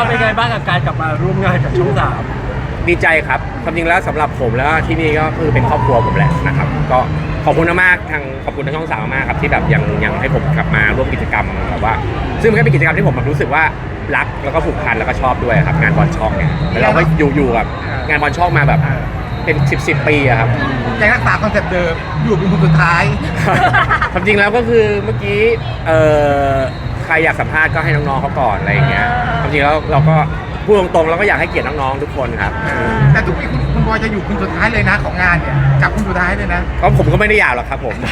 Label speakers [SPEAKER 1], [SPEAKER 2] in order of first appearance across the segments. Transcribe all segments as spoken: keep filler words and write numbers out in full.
[SPEAKER 1] เราเป็นไงบ้างกับการกลับมาร่วมงานกับช่องสาม
[SPEAKER 2] ดีใจครับความจริงแล้วสำหรับผมแล้วที่นี่ก็คือเป็นครอบครัวผมแหละนะครับก็ขอบคุณมากทางขอบคุณทางช่องสามมากครับที่แบบยังยังให้ผมกลับมาร่วมกิจกรรมแบบว่าซึ่งมันก็เป็นกิจกรรมที่ผมรู้สึกว่ารักแล้วก็ผูกพันแล้วก็ชอบด้วยครับงานบอลช่องเนี่ยแล้วเราก็อยู่อยู่กับงานบอลช่องมาแบบเป็นสิบสิบปีอะครับ
[SPEAKER 3] ยังรักษาคอนเซ็ปต์เดิมอยู่เป็นคนสุดท้าย
[SPEAKER 2] ความจริงแล้วก็คือเมื่อกี้เอ่อใครอยากสัมภาษณ์ก็ให้น้องๆเขาก่อนอะไรอย่างเงี้ยความจริงแล้วเราก็พูดตรงๆเราก็อยากให้เกียรติน้องๆทุกคนครับ
[SPEAKER 3] แต่ทุกปีคุณคุณบอยจะอยู่คุณสุดท้ายเลยนะของงานเนี่ยจับคุณสุดท้ายเลยนะ
[SPEAKER 2] ก็ผมก็ไม่ได้อยากหรอกครับผม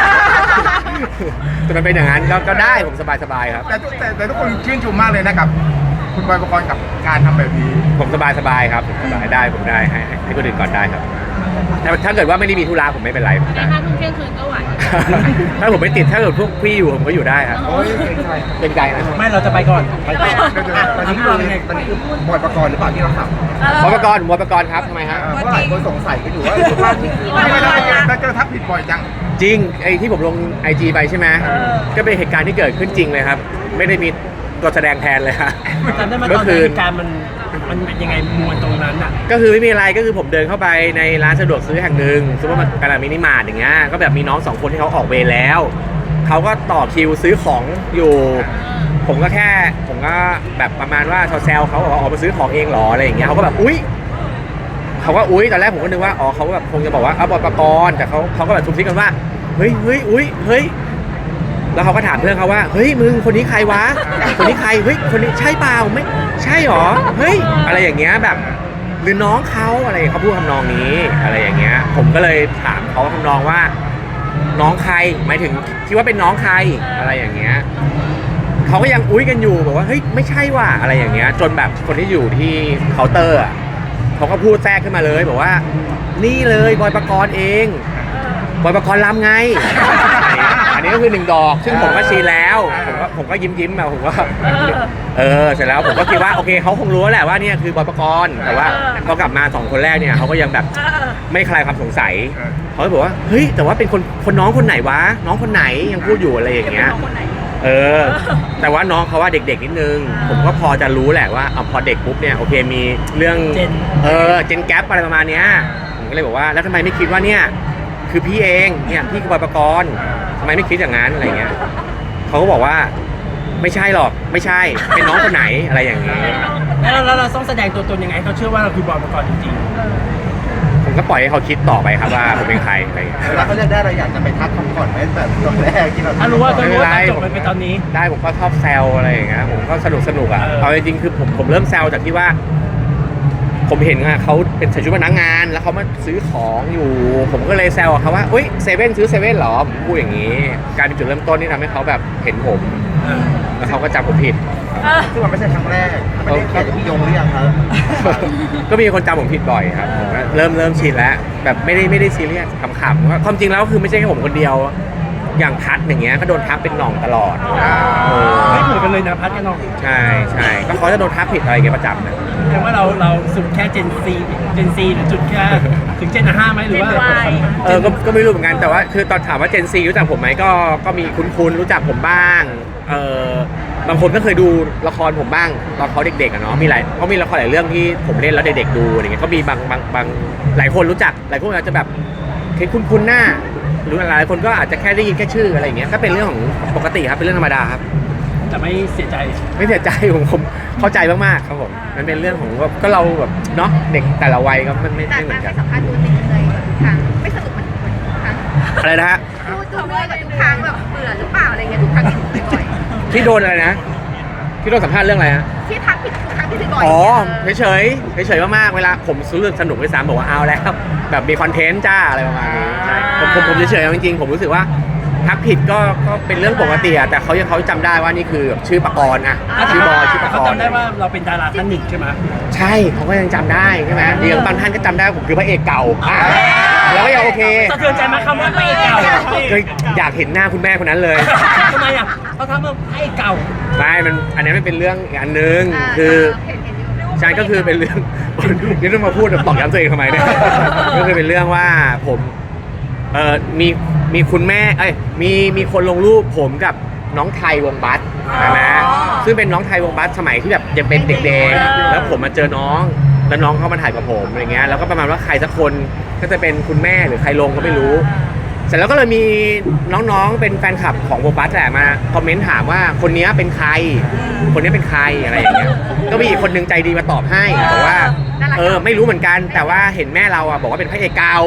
[SPEAKER 2] แต่มันเป็นอย่างนั้นก็ได้ผมสบายๆครับ
[SPEAKER 3] แต่แต่แต่ทุกคนชื่นชมมากเลยนะครับคุณบอยปกรณ์กับการทำแบบนี้
[SPEAKER 2] ผมสบายๆครับผมสบายได้ผมได้ให้ให้คนอื่นก่อนได้ครับแต่ถ้าเกิดว่าไม่ได้มีธุระผมไม่เป็นไร
[SPEAKER 4] ในห้าทุ่มเที่ยงคืนก็ไหว
[SPEAKER 2] ถ้าผมไม่ติดถ้าเกิดพวกพี่อยู่ผมก็อยู่ได้ครับ
[SPEAKER 3] โอ้ย
[SPEAKER 2] เป็นใจนะ
[SPEAKER 1] ไม่เราจะไปก่อน
[SPEAKER 3] ไปก่อนตอนนี้คือตอนนี้คือบอยปกรณ์หรือเปล่าที่เราท
[SPEAKER 2] ำบอยปกรณ์บอยปกรณ์ครับทำไมฮะ
[SPEAKER 3] เพราะหลายคนสงสัยกันอยู่ว่าว่าที่ไม่ได้ถ้าเจอทักผิดบ่อยจัง
[SPEAKER 2] จริงไอ้ที่ผมลง ไอ จี ไปใช่ไหมก็เป็นเหตุการณ์ที่เกิดขึ้นจริงเลยครับไม่ได้มีตัวแสดงแทนเลยครับ
[SPEAKER 1] จำได้ไหมตอนนั้นเหตุการณ์มันมันเป็นยังไงมวลตรงนั้นอ่ะ
[SPEAKER 2] ก็คือไม่มีอะไรก็คือผมเดินเข้าไปในร้านสะดวกซื้อแห่งหนึ่งซูเปอร์มาร์เก็ตมินิมาร์ทอย่างเงี้ยก็แบบมีน้องสองคนที่เขาออกเวรแล้วเขาก็ต่อคิวซื้อของอยู่ผมก็แค่ผมก็แบบประมาณว่าแซวเขาบอกว่าออกมาซื้อของเองหรออะไรอย่างเงี้ยเขาก็แบบอุ๊ยเขาก็อุ๊ยตอนแรกผมก็นึกว่าอ๋อเขาแบบคงจะบอกว่าเอาบอลปกรณ์แต่เขาเขาก็แบบทุบทิ้งกันว่าเฮ้ยเฮ้ยอุ๊ยเฮ้ยแล้วเขาก็ถามเพื่อนเขาว่าเฮ้ยมึงคนนี้ใครวะคนนี้ใครเฮ้ยคนนี้ใช่เปล่าไม่ใช่หรอเฮ้ยอะไรอย่างเงี้ยแบบหรือน้องเขาอะไรเขาพูดทำนองนี้อะไรอย่างเงี้ยผมก็เลยถามเขาทำนองว่าน้องใครหมายถึงคิดว่าเป็นน้องใครอะไรอย่างเงี้ยเขาก็ยังอุ้ยกันอยู่บอกว่าเฮ้ยไม่ใช่ว่ะอะไรอย่างเงี้ยจนแบบคนที่อยู่ที่เคาน์เตอร์เขาก็พูดแทรกขึ้นมาเลยบอกว่านี่เลยบอยปกรณ์เองบอยปกรณ์ลำไงอันนี้ก็คือหนึ่งดอกซึ่งผมก็ชี้แล้วผมก็ผมก็ยิ้มยิ้มมาผมก็เออเสร็จแล้วผมก็คิดว่าโอเคเขาคงรู้แหละว่านี่คือบอยปกรณ์แต่ว่าพอกลับมาสองคนแรกเนี่ยเขาก็ยังแบบไม่คลายความสงสัยเขาก็บอกว่าเฮ้ยแต่ว่าเป็นคนคนน้องคนไหนวะน้องคนไหนยังพูดอยู่อะไรอย่างเงี้ยเออแต่ว่าน้องเขาว่าเด็กๆนิดนึงผมก็พอจะรู้แหละว่าเอาพอเด็กปุ๊บเนี่ยโอเคมีเรื่องเออเจนแกปอะไรประมาณเนี้ยผมก็เลยบอกว่าแล้วทำไมไม่คิดว่าเนี่ยคือพี่เองเนี่ยพี่คือบอยปกรณ์ทำไมไม่คิดอย่างนั้นอะไรเงี้ยเขาก็บอกว่าไม่ใช่หรอกไม่ใช่เป็นน้องคนไหนอะไรอย่างเงี้ย
[SPEAKER 1] แล้วเราเราต้องแสดงตัวตนยังไงเขาเชื่อว่าเราคือบอยปกรณ์จริง
[SPEAKER 2] ๆผมก็ปล่อยให้เขาคิดต่อไปครับว่าผมเป็นใครอะไรเงี้ย
[SPEAKER 3] แล้วเขาเลือกได้เราอยากจะไปทักเขาก่อนไหมแบบตอนแรกที่เรา
[SPEAKER 1] ถ้ารู้ว่าตอนรู้ว่าจบไปตอนนี้
[SPEAKER 2] ได้ผมก็ชอบแซวอะไรอย่างเงี้ยผมก็สนุกสนุกอ่ะเอาจริงๆคือผมผมเริ่มแซวจากที่ว่าผมเห็นว่าเขาเป็นใส่ชุดพนักงานแล้วเขามาซื้อของอยู่ผมก็เลยแซวเขาว่าเฮ้ยเซเว่นซื้อเซเว่นหรอผมพูดอย่างนี้การเป็นจุดเริ่มต้นที่ทำให้เขาแบบเห็นผมแล้วเขาก็จำผมผิด
[SPEAKER 3] ซึ่งมันไม่ใช่ครั้งแรกไม่ได้แค่พี่ยงหรือยังครับ
[SPEAKER 2] ก็มีคนจำผมผิดบ่อยครับผมเริ่มเริ่มชินแล้วแบบไม่ได้ไม่ได้ซีเรียสขำๆว่าความจริงแล้วคือไม่ใช่แค่ผมคนเดียวอย่างพัดอย่างเงี้ยก็โดนทักเป็นหน่องตลอด
[SPEAKER 1] ไม่เหมือนกันเลยนะพัดกับหน่อง
[SPEAKER 2] ใช่ใช่ก็เขาจะโดนทักผิดอะไรเงี้ยประจำนะ
[SPEAKER 1] แปลว่าเราเราสุดแค่เจนซีเจนซีหรือจุดแค่ถึงเจนห้าไหมหรือว่า
[SPEAKER 2] เออก็ก็ไม่รู้เหมือนกันแต่ว่าคือตอนถามว่าเจนซีรู้จักผมไหมก็ก็มีคุ้นๆรู้จักผมบ้างเออบางคนก็เคยดูละครผมบ้างตอนเขาเด็กๆอะเนาะมีหลายก็มีละครหลายเรื่องที่ผมเล่นแล้วเด็กๆดูอะไรเงี้ยก็มีบางบางบางหลายคนรู้จักหลายคนอาจจะแบบเห็นคุ้นๆหน้าหรือหลายคนก็อาจจะแค่ได้ยินแค่ชื่ออะไรอย่างเงี้ยก็เป็นเรื่องของปกติครับเป็นเรื่องธรรมดาครับ
[SPEAKER 1] แต่ไม่เสียใจ
[SPEAKER 2] ไม่เสียใจผมผมเข้าใจมากๆครับผมมันเป็นเรื่องของว่าก็เราแบบเนาะเด็กแต่ละวัยก็มันไม่ไม่เหมือนกัน
[SPEAKER 4] สัมภาษณ์ตัวจริงเลยแบบทุกครั้งไม่สนุกเหมือนทุกครั้ง
[SPEAKER 2] อะไรนะฮะ
[SPEAKER 4] พูดตัวเมื่อแบบทุกครั้งแบบเบื่อหรือเปล่าอะไรเงี้ยทุกครั้งที่ถูกบ่อย
[SPEAKER 2] ที่โดนอะไรนะที่โดนสัมภาษณ์เรื่องอะไรฮะ
[SPEAKER 4] ที่ทักผิดทุกครั้งที่ถูกบ่อย
[SPEAKER 2] อ๋อเฉยๆเฉยๆมากๆเวลาผมซื้อเรื่องสนุกไปสามบอกว่าเอาแล้วแบบมีคอนเทนต์จ้าอะไรประมาณนี้ผมผมผมเฉยๆจริงๆผมรู้สึกว่าทักผิดก็ก็เป็นเรื่องปกติอะแต่เขายังเขาจำได้ว่านี่คือชื่อปกรณ์อะชื่อบอยชื่อปกรณ์
[SPEAKER 1] เขาจำได้ว่าเราเป็นดาราท่านหนึ่งใช่ไหม
[SPEAKER 2] ใช่เขาก็ยังจำได้ใช่ไหมเดี๋ยวบางท่านก็จำได้ผมคือพระเอกเก่าแล้วก็ยังโอเค
[SPEAKER 1] สะเทือนใจไหมคำว่าพระเอกเก่า
[SPEAKER 2] อยากเห็นหน้าคุณแม่คนนั้นเลย
[SPEAKER 1] ทำไมอะเขาทำว่าพระเอกเก่า
[SPEAKER 2] ไม่มันอันนี้มันเป็นเรื่องอีกอันนึงคือใช่ก็คือเป็นเรื่องนี่ต้องมาพูดตอกย้ำตัวเองทำไมเนี่ยก็คือเป็นเรื่องว่าผมเอ่อมีมีคุณแม่เอ้ยมีมีคนลงรูปผมกับน้องไทยวงบัสนะซึ่งเป็นน้องไทยวงบัสสมัยที่แบบยังเป็นเด็กๆแล้วผมมาเจอน้องแล้วน้องเขามาถ่ายกับผมอะไรเงี้ยแล้วก็ประมาณว่าใครสักคนก็จะเป็นคุณแม่หรือใครลงก็ไม่รู้ เสร็จแล้วก็เลยมีน้องๆเป็นแฟนคลับของวงบัสแหละมาคอมเมนต์ถามว่าคนนี้เป็นใคร คนนี้เป็นใครอะไรอย่างเงี้ยก็มีอีกคนนึงใจดีมาตอบให้บอกว่าเออไม่รู้เหมือนกันแต่ว่าเห็นแม่เราอ่ะบอกว่าเป็นพระเอกเก่า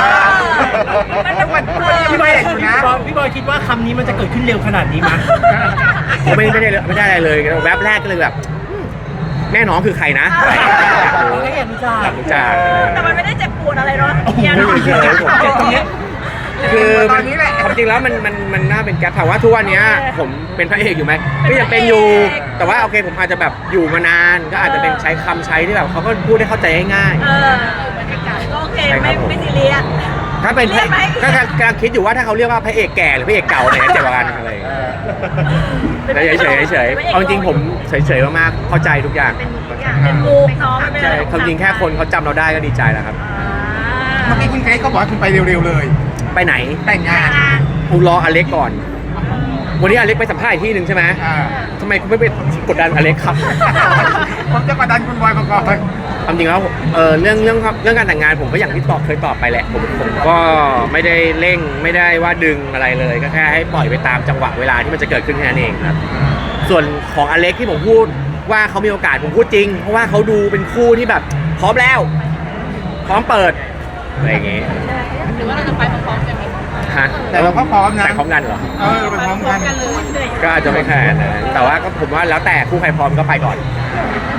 [SPEAKER 3] มันมันยัง
[SPEAKER 1] พี่บ
[SPEAKER 3] ไม่
[SPEAKER 1] อย
[SPEAKER 3] เห็นอยู่นะ
[SPEAKER 1] พี่บอยพี่บอยคิดว่าคำนี้มันจะเกิดขึ้นเร็วขนาดนี้มั้ย
[SPEAKER 2] ผมไม่ไม่ได้ไม่ได้อะไรเลยแวบแรกก็เลยแบบแม่น้องคือใครนะอะไรอย่างเงี้ยอยากรู้
[SPEAKER 1] เราก็อยากรู้จัก
[SPEAKER 2] อยากรู้จัก
[SPEAKER 4] แต่มันไม่ได้เจ็บปวดอะไรเนาะ
[SPEAKER 1] โอ้โห
[SPEAKER 4] เนี่ยเนาะ
[SPEAKER 1] เจ็บผมเจ็บตรงเนี้ย
[SPEAKER 2] คือ
[SPEAKER 3] ต
[SPEAKER 2] มั
[SPEAKER 3] อน นนี้แหละ
[SPEAKER 2] ความจริงแล้วมันมันมันน่าเป็นแก๊ปถามว่าทุกวันเนี้ยผมเป็นพระเอกอยู่ไหมก็ยังเป็นอยู่ แต่ว่าโอเคผมอาจจะแบบอยู่มานานก็อาจจะเป็นใช้คำใช้ที่แบบเขาก็พูดให้เข้าใจง่าย
[SPEAKER 4] เออก็โอเคไม่ไม่ซีเรียส
[SPEAKER 2] ๆถ้าเป็นพระ
[SPEAKER 4] เรียกไหม
[SPEAKER 2] ก็กำลังคิดอยู่ว่าถ้าเขาเรียกว่าพระเอกแก่หรือพระเอกเก่าไหนจะเจ็บกว่ากันอะไรอย่างเงี้ยแต่เฉยๆเฉยๆเอาจริงๆผมเฉยๆมากๆเข้าใจทุกอย่าง
[SPEAKER 4] เป็นทุกอย่างเป็นมุกเนาะมันเป็น
[SPEAKER 2] ใช่
[SPEAKER 4] อะไร
[SPEAKER 2] ความจริงแค่คนเขาจำเราได้ก็ดีใจแล้วครับ
[SPEAKER 3] เมื่อกี้คุณเกรซก็บอกให้คุณไปเร็วๆเลย
[SPEAKER 2] ไปไหน
[SPEAKER 3] แต่งงาน
[SPEAKER 2] กูรออเล็กก่อน วันนี้อเล็กไปสัมภาษณ์อีกที่หนึ่งใช่ไหม
[SPEAKER 3] อ่า
[SPEAKER 2] ทำไมคุณไม่ไปกดดันอเล็กครับ
[SPEAKER 3] ผมจะกดดันคุณบอยประกรณ์
[SPEAKER 2] ความจริงแล้วเออเรื่องเรื่องเรื่องการแต่งงานผมก็อย่างที่ตอบเคยตอบไปแหละผมผมก็ไม่ได้เร่งไม่ได้ว่าดึงอะไรเลย ก็แค่ให้ปล่อยไปตามจังหวะเวลาที่มันจะเกิดขึ้นแค่นั้นเองครับ ส่วนของอเล็กที่ผมพูดว่าเขามีโอกาสผมพูดจริง เพราะว่าเขาดูเป็นคู่ที่แบบพร้อมแล้ว พร้อมเปิดอะไรอย่างเงี้ย
[SPEAKER 4] หรือว่าเราจะไปพร้อมๆกันไหม
[SPEAKER 2] ฮะ
[SPEAKER 3] แต่เราก็พร้อมนะ
[SPEAKER 2] แต่พร้อมกันเหรอ
[SPEAKER 3] เออไปพร้อมกัน
[SPEAKER 4] เลย
[SPEAKER 2] ก็อาจจะไม่ขนาดนั้นแต่ว่าก็ผมว่าแล้วแต่คู่ใครพร้อมก็ไปก่อน
[SPEAKER 4] เ